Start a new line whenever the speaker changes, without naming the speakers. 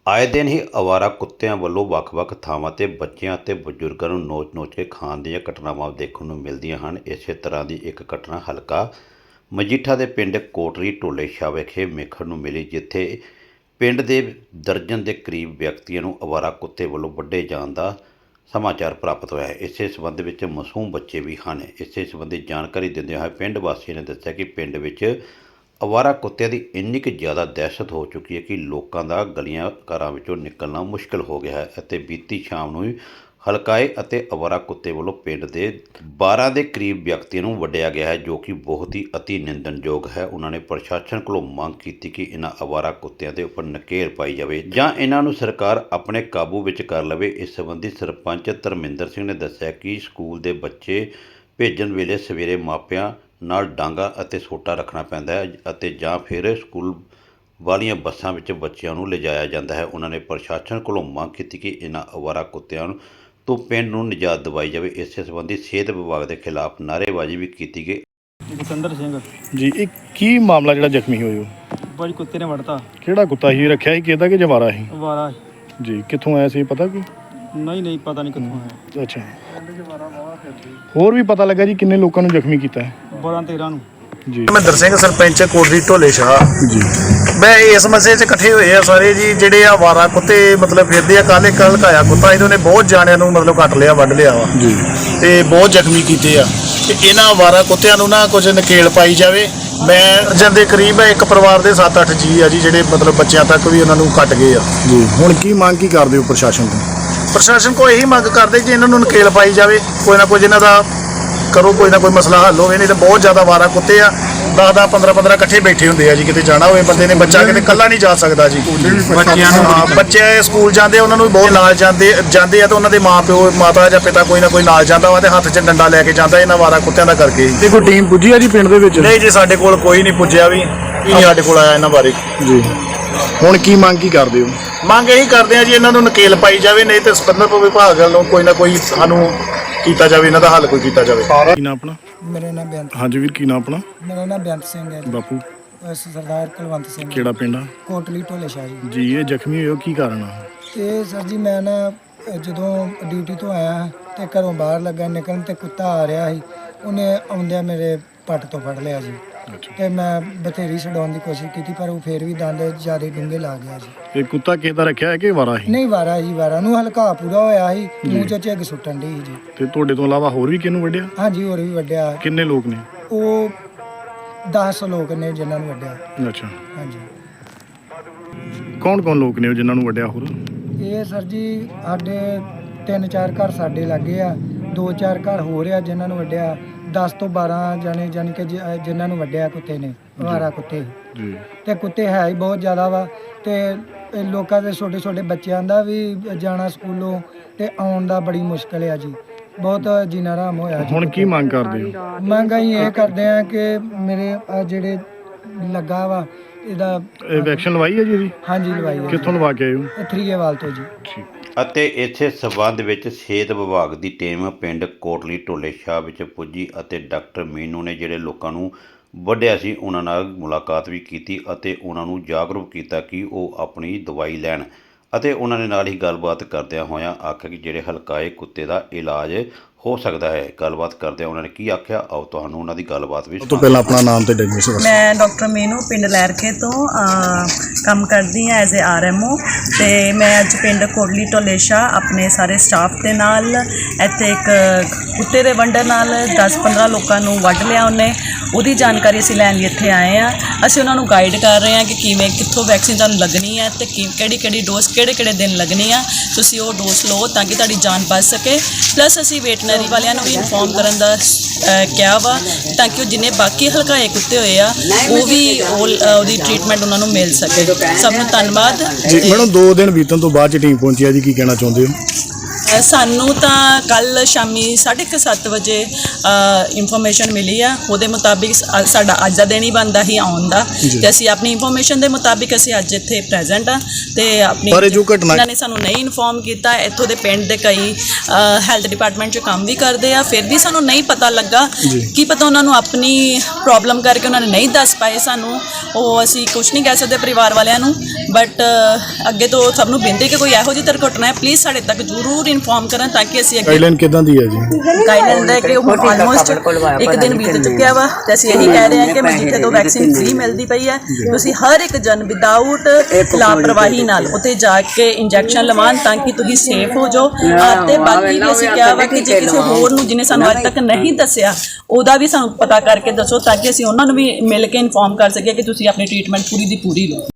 ਆਏ ਦਿਨ ਹੀ ਅਵਾਰਾ ਕੁੱਤਿਆਂ ਵੱਲੋਂ ਵੱਖ-ਵੱਖ ਥਾਵਾਂ 'ਤੇ ਬੱਚਿਆਂ ਅਤੇ ਬਜ਼ੁਰਗਾਂ ਨੂੰ ਨੋਚ-ਨੋਚ ਕੇ ਖਾਣ ਦੀਆਂ ਘਟਨਾਵਾਂ ਦੇਖਣ ਨੂੰ ਮਿਲਦੀਆਂ ਹਨ। ਇਸੇ ਤਰ੍ਹਾਂ ਦੀ ਇੱਕ ਘਟਨਾ ਹਲਕਾ ਮਜੀਠਾ ਦੇ ਪਿੰਡ ਕੋਟਲੀ ਢੋਲੇ ਸ਼ਾਹ ਵਿਖੇ ਵੇਖਣ ਨੂੰ ਮਿਲੀ, ਜਿੱਥੇ ਪਿੰਡ ਦੇ ਦਰਜਨ ਦੇ ਕਰੀਬ ਵਿਅਕਤੀਆਂ ਨੂੰ ਅਵਾਰਾ ਕੁੱਤੇ ਵੱਲੋਂ ਵੱਢੇ ਜਾਣ ਦਾ ਸਮਾਚਾਰ ਪ੍ਰਾਪਤ ਹੋਇਆ ਹੈ। ਇਸੇ ਸੰਬੰਧ ਵਿੱਚ ਮਾਸੂਮ ਬੱਚੇ ਵੀ ਹਨ। ਇਸੇ ਸੰਬੰਧੀ ਜਾਣਕਾਰੀ ਦਿੰਦਿਆਂ ਹੋਏ ਪਿੰਡ ਵਾਸੀਆਂ ਨੇ ਦੱਸਿਆ ਕਿ ਪਿੰਡ ਵਿੱਚ ਅਵਾਰਾ ਕੁੱਤਿਆਂ ਦੀ ਇੰਨੀ ਕੁ ਜ਼ਿਆਦਾ ਦਹਿਸ਼ਤ ਹੋ ਚੁੱਕੀ ਹੈ ਕਿ ਲੋਕਾਂ ਦਾ ਗਲੀਆਂ ਘਰਾਂ ਵਿੱਚੋਂ ਨਿਕਲਣਾ ਮੁਸ਼ਕਿਲ ਹੋ ਗਿਆ ਹੈ ਅਤੇ ਬੀਤੀ ਸ਼ਾਮ ਨੂੰ ਹਲਕਾਏ ਅਤੇ ਅਵਾਰਾ ਕੁੱਤੇ ਵੱਲੋਂ ਪਿੰਡ ਦੇ 12 ਦੇ ਕਰੀਬ ਵਿਅਕਤੀਆਂ ਨੂੰ ਵੱਢਿਆ ਗਿਆ ਹੈ, ਜੋ ਕਿ ਬਹੁਤ ਹੀ ਅਤੀ ਨਿੰਦਣਯੋਗ ਹੈ। ਉਹਨਾਂ ਨੇ ਪ੍ਰਸ਼ਾਸਨ ਕੋਲੋਂ ਮੰਗ ਕੀਤੀ ਕਿ ਇਹਨਾਂ ਅਵਾਰਾ ਕੁੱਤਿਆਂ ਦੇ ਉੱਪਰ ਨਕੇਲ ਪਾਈ ਜਾਵੇ ਜਾਂ ਇਹਨਾਂ ਨੂੰ ਸਰਕਾਰ ਆਪਣੇ ਕਾਬੂ ਵਿੱਚ ਕਰ ਲਵੇ। ਇਸ ਸੰਬੰਧੀ ਸਰਪੰਚ ਧਰਮਿੰਦਰ ਸਿੰਘ ਨੇ ਦੱਸਿਆ ਕਿ ਸਕੂਲ ਦੇ ਬੱਚੇ ਭੇਜਣ ਵੇਲੇ ਸਵੇਰੇ ਮਾਪਿਆਂ ਨਾਲ ਡਾਂਗਾ ਅਤੇ ਸੋਟਾ ਰੱਖਣਾ ਪੈਂਦਾ ਹੈ ਅਤੇ ਜਾਂ ਫਿਰ ਸਕੂਲ ਵਾਲੀਆਂ ਬੱਸਾਂ ਵਿੱਚ ਬੱਚਿਆਂ ਨੂੰ ਲਿਜਾਇਆ ਜਾਂਦਾ ਹੈ। ਉਹਨਾਂ ਨੇ ਪ੍ਰਸ਼ਾਸਨ ਕੋਲੋਂ ਮੰਗ ਕੀਤੀ ਕਿ ਇਹਨਾਂ ਅਵਾਰਾ ਕੁੱਤਿਆਂ ਤੋਂ ਪਿੰਡ ਨੂੰ ਨਿਜਾਤ ਦਿਵਾਈ ਜਾਵੇ। ਇਸੇ ਸੰਬੰਧੀ ਸਿਹਤ ਵਿਭਾਗ ਦੇ ਖਿਲਾਫ ਨਾਅਰੇਬਾਜ਼ੀ ਵੀ ਕੀਤੀ ਗਈ।
ਜਤਿੰਦਰ ਸਿੰਘ
ਜੀ, ਇਹ ਕੀ ਮਾਮਲਾ ਜਿਹੜਾ ਜ਼ਖਮੀ ਹੋਏ ਹੋ?
ਭਾਜੀ ਕੁੱਤੇ ਨੇ ਵੜਤਾ।
ਕਿਹੜਾ ਕੁੱਤਾ ਸੀ? ਰੱਖਿਆ ਸੀ ਕਿਹਦਾ ਕਿ ਜਵਾਰਾ ਸੀ?
ਅਵਾਰਾ
ਜੀ, ਕਿੱਥੋਂ ਆਇਆ ਸੀ ਪਤਾ ਕੋਈ?
ਨਹੀਂ ਪਤਾ ਨਹੀਂ ਕਿੱਥੋਂ ਆਇਆ।
ਅੱਛਾ, ਹੋਰ ਵੀ ਪਤਾ ਲੱਗਾ ਜੀ ਕਿੰਨੇ ਲੋਕਾਂ ਨੂੰ ਜ਼ਖਮੀ ਕੀਤਾ ਹੈ?
12-13 ਨੂੰ
ਜੀ।
ਧਰਮਿੰਦਰ ਸਿੰਘ ਸਰਪੰਚ ਕੋਟਲੀ ਢੋਲੇ ਸ਼ਾਹ
ਜੀ,
ਮੈਂ ਇਸ ਮਸਲੇ 'ਚ ਇਕੱਠੇ ਹੋਏ ਆ ਸਾਰੇ ਜੀ। ਜਿਹੜੇ ਆ ਅਵਾਰਾ ਕੁੱਤੇ ਮਤਲਬ ਫਿਰਦੇ ਆ, ਕੱਲ੍ਹ ਇੱਕ ਹਲਕਾਇਆ ਕੁੱਤਾ ਇਹਨਾਂ ਨੇ ਬਹੁਤ ਜਾਣਿਆਂ ਨੂੰ ਮਤਲਬ ਕੱਟ ਲਿਆ, ਵੱਢ ਲਿਆ ਵਾ
ਜੀ,
ਤੇ ਬਹੁਤ ਜ਼ਖਮੀ ਕੀਤੇ ਆ। ਤੇ ਇਹਨਾਂ ਅਵਾਰਾ ਕੁੱਤਿਆਂ ਨੂੰ ਨਾ ਕੁਝ ਨਕੇਲ ਪਾਈ ਜਾਵੇ। ਮੈਂ ਜਾਂਦੇ ਕਰੀਬ ਇੱਕ ਪਰਿਵਾਰ ਦੇ 7-8 ਜੀ ਆ ਜੀ, ਜਿਹੜੇ ਮਤਲਬ ਬੱਚਿਆਂ ਤੱਕ ਵੀ ਉਹਨਾਂ ਨੂੰ ਕੱਟ ਗਏ ਆ
ਜੀ। ਹੁਣ ਕੀ ਮੰਗ ਕੀ ਕਰਦੇ ਹੋ ਪ੍ਰਸ਼ਾਸਨ ਤੋਂ?
ਪ੍ਰਸ਼ਾਸਨ ਕੋਲ ਇਹੀ ਮੰਗ ਕਰਦੇ ਕਿ ਇਹਨਾਂ ਨੂੰ ਨਕੇਲ ਪਾਈ ਜਾਵੇ, ਕੋਈ ਨਾ ਕੁਝ ਇਹਨਾਂ ਦਾ ਕਰੋ, ਕੋਈ ਨਾ ਕੋਈ ਮਸਲਾ ਹੱਲ ਹੋਵੇ। ਨਹੀਂ ਤਾਂ ਬਹੁਤ ਜ਼ਿਆਦਾ ਅਵਾਰਾ ਕੁੱਤੇ ਆ, 10-10 15-15 ਇਕੱਠੇ ਬੈਠੇ ਹੁੰਦੇ ਆ ਜੀ। ਕਿਤੇ ਜਾਣਾ ਹੋਵੇ ਬੰਦੇ ਨੇ, ਬੱਚਾ ਕਿਤੇ ਇਕੱਲਾ ਨਹੀਂ ਜਾ ਸਕਦਾ ਜੀ। ਬੱਚਿਆਂ ਨੂੰ ਬੱਚੇ ਸਕੂਲ ਜਾਂਦੇ ਉਹਨਾਂ ਨੂੰ ਵੀ ਬਹੁਤ ਨਾਲ ਜਾਂਦੇ ਆ ਤੇ ਉਹਨਾਂ ਦੇ ਮਾਪਿਓ ਮਾਤਾ ਜਾਂ ਪਿਤਾ ਕੋਈ ਨਾ ਕੋਈ ਨਾਲ ਜਾਂਦਾ ਵਾ ਤੇ ਹੱਥ 'ਚ ਡੰਡਾ ਲੈ ਕੇ ਜਾਂਦਾ ਇਹਨਾਂ ਅਵਾਰਾ ਕੁੱਤਿਆਂ ਦਾ ਕਰਕੇ।
ਤੇ ਕੋਈ ਟੀਮ ਪੁੱਜੀ ਆ ਜੀ ਪਿੰਡ ਦੇ ਵਿੱਚ?
ਨਹੀਂ ਜੀ, ਸਾਡੇ ਕੋਲ ਕੋਈ ਨਹੀਂ ਪੁੱਜਿਆ ਵੀ, ਨਹੀਂ ਸਾਡੇ ਕੋਲ ਆਇਆ ਇਹਨਾਂ ਬਾਰੇ
ਜੀ। ਹੁਣ ਕੀ ਮੰਗ ਕੀ ਕਰਦੇ ਹੋ?
ਮੰਗ ਇਹੀ ਕਰਦੇ ਆ ਜੀ, ਇਹਨਾਂ ਨੂੰ ਨਕੇਲ ਪਾਈ ਜਾਵੇ, ਨਹੀਂ ਤੇ ਸੰਬੰਧਿਤ ਵਿਭਾਗ ਵੱਲੋਂ ਕੋਈ ਨਾ ਕੋਈ ਸਾਨੂੰ ਕੀਤਾ ਜਾਵੇ, ਇਹਨਾਂ ਦਾ ਹੱਲ ਕੋਈ ਕੀਤਾ ਜਾਵੇ।
ਕੀ ਨਾਮ ਆਪਣਾ?
ਮੇਰਾ ਨਾਮ ਬੇਅੰਤ।
ਹਾਂਜੀ ਵੀਰ, ਕੀ ਨਾਮ ਆਪਣਾ?
ਮੇਰਾ ਨਾਮ ਬੇਅੰਤ ਸਿੰਘ ਹੈ ਜੀ।
ਬਾਪੂ
ਸਰਦਾਰ ਕੁਲਵੰਤ ਸਿੰਘ
ਕਿਹੜਾ ਪਿੰਡ ਆ?
ਕੋਟਲੀ ਢੋਲੇ ਸ਼ਾਹ ਜੀ।
ਜੀ, ਇਹ ਜ਼ਖਮੀ ਹੋਏ ਹੋ ਕੀ ਕਾਰਨ ਆ?
ਇਹ ਸਰ ਜੀ, ਮੈਂ ਨਾ ਜਦੋਂ ਡਿਊਟੀ ਤੋਂ ਆਇਆ ਤੇ ਘਰੋਂ ਬਾਹਰ ਲੱਗਾ ਨਿਕਲਣ ਤੇ ਕੁੱਤਾ ਆ ਰਿਹਾ ਸੀ, ਉਹਨੇ ਆਉਂਦਿਆਂ ਮੇਰੇ ਪੱਟ ਤੋਂ ਫੜ ਲਿਆ ਜੀ। ਤੇ ਮੈਂ ਬਥੇਰੀ ਛਡਾਉਣ ਦੀ ਕੋਸ਼ਿਸ਼ ਕੀਤੀ ਪਰ ਉਹ ਫੇਰ ਵੀ ਦੰਦ ਜ਼ਿਆਦਾ ਡੂੰਘੇ ਲਾ ਗਿਆ ਜੀ।
ਇਹ ਕੁੱਤਾ ਕਿਸ ਦਾ ਰੱਖਿਆ ਹੈ ਕਿ ਵਾਰਾ ਸੀ?
ਨਹੀਂ, ਵਾਰਾ ਜੀ, ਵਾਰਾ ਨੂੰ ਹਲਕਾ ਪੂਰਾ ਹੋਇਆ ਸੀ, ਮੂੰਹ ਚੋਂ ਝੱਗ ਸੁੱਟਣ ਦੀ ਜੀ।
ਤੇ ਤੁਹਾਡੇ ਤੋਂ ਇਲਾਵਾ ਹੋਰ ਵੀ ਕਿਹਨੂੰ ਵੱਢਿਆ?
ਹਾਂਜੀ, ਹੋਰ ਵੀ ਵੱਢਿਆ।
ਕਿੰਨੇ ਲੋਕ ਨੇ?
ਉਹ 10 ਲੋਕ ਨੇ ਜਿਨ੍ਹਾਂ ਨੂੰ ਵੱਢਿਆ।
ਅੱਛਾ,
ਹਾਂਜੀ।
ਕੌਣ ਲੋਕ ਨੇ ਉਹ ਜਿਨ੍ਹਾਂ ਨੂੰ ਵੱਢਿਆ? ਹੋਰ
ਇਹ ਸਰ ਜੀ ਸਾਡੇ 3-4 ਘਰ ਸਾਡੇ ਲੱਗੇ ਆ, 2-4 ਘਰ ਹੋ ਰਿਹਾ ਜਿਨ੍ਹਾਂ ਨੂੰ ਵੱਢਿਆ। 10 ਤੋਂ 12 ਜਾਣੇ ਜਾਣੀ ਕਿ ਜਿਨ੍ਹਾਂ ਨੂੰ ਵੱਢਿਆ ਕੁੱਤੇ ਨੇ, ਅਵਾਰਾ ਕੁੱਤੇ
ਜੀ।
ਤੇ ਕੁੱਤੇ ਹੈ ਹੀ ਬਹੁਤ ਜ਼ਿਆਦਾ ਵਾ ਤੇ ਇਹ ਲੋਕਾਂ ਦੇ ਛੋਟੇ ਬੱਚਿਆਂ ਦਾ ਵੀ ਜਾਣਾ ਸਕੂਲੋਂ ਤੇ ਆਉਣ ਦਾ ਬੜੀ ਮੁਸ਼ਕਲ ਆ ਜੀ। ਬਹੁਤ ਜੀਣਾ ਹਰਾਮ ਹੋਇਆ ਜੀ।
ਹੁਣ ਕੀ ਮੰਗ ਕਰਦੇ ਹੋ?
ਮੰਗ ਅਸੀਂ ਇਹ ਕਰਦੇ ਆ ਕਿ ਮੇਰੇ ਜਿਹੜੇ ਲੱਗਾ ਵਾ ਇਹਦਾ
ਵੈਕਸੀਨ ਲਵਾਈ ਹੈ ਜੀ ਇਹਦੀ?
ਹਾਂਜੀ, ਲਵਾਈ ਹੈ।
ਕਿੱਥੋਂ ਲਵਾ ਕੇ ਆਏ ਹੋ?
ਥਰੀਏਵਾਲ ਤੋਂ ਜੀ।
ਠੀਕ।
ਅਤੇ ਇਸੇ ਸਬੰਧ ਵਿੱਚ ਸਿਹਤ ਵਿਭਾਗ ਦੀ ਟੀਮ ਪਿੰਡ ਕੋਟਲੀ ਢੋਲੇ ਸ਼ਾਹ ਵਿੱਚ ਪੁੱਜੀ ਅਤੇ ਡਾਕਟਰ ਮੀਨੂ ਨੇ ਜਿਹੜੇ ਲੋਕਾਂ ਨੂੰ ਵੱਢਿਆ ਸੀ ਉਹਨਾਂ ਨਾਲ ਮੁਲਾਕਾਤ ਵੀ ਕੀਤੀ ਅਤੇ ਉਹਨਾਂ ਨੂੰ ਜਾਗਰੂਕ ਕੀਤਾ ਕਿ ਉਹ ਆਪਣੀ ਦਵਾਈ ਲੈਣ। ਅਤੇ ਉਹਨਾਂ ਨੇ ਨਾਲ ਹੀ ਗੱਲਬਾਤ ਕਰਦਿਆਂ ਹੋਇਆਂ ਆਖਿਆ ਕਿ ਜਿਹੜੇ ਹਲਕਾਏ ਕੁੱਤੇ ਦਾ ਇਲਾਜ ਹੋ ਸਕਦਾ ਹੈ। ਗੱਲਬਾਤ ਕਰਦਿਆਂ ਉਹਨਾਂ ਨੇ ਕੀ ਆਖਿਆ, ਆਓ ਤੁਹਾਨੂੰ ਉਹਨਾਂ ਦੀ ਗੱਲਬਾਤ ਵੀ
ਉਸ ਤੋਂ ਪਹਿਲਾਂ ਆਪਣਾ ਨਾਮ ਤੇ ਡੈਗਨੋਸਿਸ ਦੱਸੋ।
ਮੈਂ ਡਾਕਟਰ ਮੀਨੂ ਪਿੰਡ ਲਹਿਰਕੇ ਤੋਂ ਕੰਮ ਕਰਦੀ ਹਾਂ ਐਜ਼ ਏ RMO। ਅਤੇ ਮੈਂ ਅੱਜ ਪਿੰਡ ਕੋਟਲੀ ਢੋਲੇ ਸ਼ਾਹ ਆਪਣੇ ਸਾਰੇ ਸਟਾਫ ਦੇ ਨਾਲ ਇੱਥੇ ਇੱਕ ਕੁੱਤੇ ਦੇ ਵੰਡਰ ਨਾਲ 10-15 ਲੋਕਾਂ ਨੂੰ ਵੱਢ ਲਿਆ ਉਹਨੇ, ਉਹਦੀ ਜਾਣਕਾਰੀ ਅਸੀਂ ਲੈਣ ਲਈ ਇੱਥੇ ਆਏ ਹਾਂ। ਅਸੀਂ ਉਹਨਾਂ ਨੂੰ ਗਾਈਡ ਕਰ ਰਹੇ ਹਾਂ ਕਿ ਕਿਵੇਂ ਕਿੱਥੋਂ ਵੈਕਸੀਨ ਤੁਹਾਨੂੰ ਲੱਗਣੀ ਹੈ ਅਤੇ ਕਿਹੜੀ ਡੋਜ਼ ਕਿਹੜੇ ਦਿਨ ਲੱਗਣੀ ਆ। ਤੁਸੀਂ ਉਹ ਡੋਜ਼ ਲਓ ਤਾਂ ਕਿ ਤੁਹਾਡੀ ਜਾਨ ਬਚ ਸਕੇ। ਪਲੱਸ ਅਸੀਂ ਵੈਟਰਨਰੀ ਵਾਲਿਆਂ ਨੂੰ ਵੀ ਇਨਫੋਰਮ ਕਰਨ ਦਾ ਕਿਹਾ ਵਾ ਤਾਂ ਕਿ ਉਹ ਜਿੰਨੇ ਬਾਕੀ ਹਲਕਾਏ ਕੁੱਤੇ ਹੋਏ ਆ ਉਹ ਵੀ ਉਹਦੀ ਟ੍ਰੀਟਮੈਂਟ ਉਹਨਾਂ ਨੂੰ ਮਿਲ ਸਕੇ। ਸਭ ਨੂੰ ਧੰਨਵਾਦ ਜੀ।
ਮੈਡਮ, 2 ਦਿਨ ਬੀਤਣ ਤੋਂ ਬਾਅਦ 'ਚ ਟੀਮ ਪਹੁੰਚੀ ਆ ਜੀ, ਕੀ ਕਹਿਣਾ ਚਾਹੁੰਦੇ ਹੋ?
ਸਾਨੂੰ ਤਾਂ ਕੱਲ ਸ਼ਾਮੀ 7:30 ਵਜੇ ਇਨਫੋਰਮੇਸ਼ਨ ਮਿਲੀ ਆ। ਉਹਦੇ ਮੁਤਾਬਿਕ ਸਾਡਾ ਅੱਜ ਦਾ ਦਿਨ ਹੀ ਬਣਦਾ ਹੀ ਆਉਣ ਦਾ, ਤੇ ਅਸੀਂ ਆਪਣੀ ਇਨਫੋਰਮੇਸ਼ਨ ਦੇ ਮੁਤਾਬਿਕ ਅਸੀਂ ਅੱਜ ਇੱਥੇ ਪ੍ਰੈਜ਼ੈਂਟ ਆ। ਤੇ ਆਪਣੀ
ਪਰ ਇਹ ਜੋ ਘਟਨਾ
ਇਹਨਾਂ ਨੇ ਸਾਨੂੰ ਨਹੀਂ ਇਨਫੋਰਮ ਕੀਤਾ। ਇੱਥੋਂ ਦੇ ਪਿੰਡ ਦੇ ਕਈ ਹੈਲਥ ਡਿਪਾਰਟਮੈਂਟ 'ਚ ਕੰਮ ਵੀ ਕਰਦੇ ਆ, ਫਿਰ ਵੀ ਸਾਨੂੰ ਨਹੀਂ ਪਤਾ ਲੱਗਾ। ਕੀ ਪਤਾ ਉਹਨਾਂ ਨੂੰ ਆਪਣੀ ਪ੍ਰੋਬਲਮ ਕਰਕੇ ਉਹਨਾਂ ਨੇ ਨਹੀਂ ਦੱਸ ਪਾਏ ਸਾਨੂੰ, ਉਹ ਅਸੀਂ ਕੁਝ ਨਹੀਂ ਕਹਿ ਸਕਦੇ ਪਰਿਵਾਰ ਵਾਲਿਆਂ ਨੂੰ। ਬਟ ਅੱਗੇ ਤੋਂ ਸਭ ਨੂੰ ਬੇਨਤੀ ਕਿ ਕੋਈ ਇਹੋ ਜਿਹੀ ਦੁਰਘਟਨਾ ਹੈ ਪਲੀਜ਼ ਸਾਡੇ ਤੱਕ ਜ਼ਰੂਰ ਇਨਫੋਰਮ ਕਰਨ, ਤਾਂ ਕਿ ਅਸੀਂ ਅੱਗੇ
ਗਾਈਡਲਾਈਨ ਕਿਦਾਂ ਦੀ ਹੈ ਜੀ?
ਗਾਈਡਲਾਈਨ ਦੇ ਕਿ ਹੁਣ ਆਲਮੋਸਟ ਇੱਕ ਦਿਨ ਬੀਤ ਚੁੱਕਿਆ ਵਾ, ਤੇ ਅਸੀਂ ਇਹੀ ਕਹਿ ਰਹੇ ਹਾਂ ਕਿ ਮਜੀਠੇ ਤੋਂ ਵੈਕਸੀਨ ਫ੍ਰੀ ਮਿਲਦੀ ਪਈ ਹੈ। ਤੁਸੀਂ ਹਰ ਇੱਕ ਜਨ ਵਿਦਆਊਟ ਲਾਪਰਵਾਹੀ ਨਾਲ ਉੱਥੇ ਜਾ ਕੇ ਇੰਜੈਕਸ਼ਨ ਲਵਾਉਣ, ਤਾਂ ਕਿ ਤੁਸੀਂ ਸੇਫ ਹੋ ਜਾਓ। ਤੇ ਬਾਕੀ ਵੀ ਅਸੀਂ ਕਿਹਾ ਵਾ ਕਿ ਜੇ ਕਿਸੇ ਹੋਰ ਨੂੰ ਜਿਹਨੇ ਸਾਨੂੰ ਅੱਜ ਤੱਕ ਨਹੀਂ ਦੱਸਿਆ, ਉਹਦਾ ਵੀ ਸਾਨੂੰ ਪਤਾ ਕਰਕੇ ਦੱਸੋ, ਤਾਂ ਕਿ ਅਸੀਂ ਉਹਨਾਂ ਨੂੰ ਵੀ ਮਿਲ ਕੇ ਇਨਫੋਰਮ ਕਰ ਸਕੀਏ ਕਿ ਤੁਸੀਂ ਆਪਣੀ ਟ੍ਰੀਟਮੈਂਟ ਪੂਰੀ ਦੀ ਪੂਰੀ ਲਓ।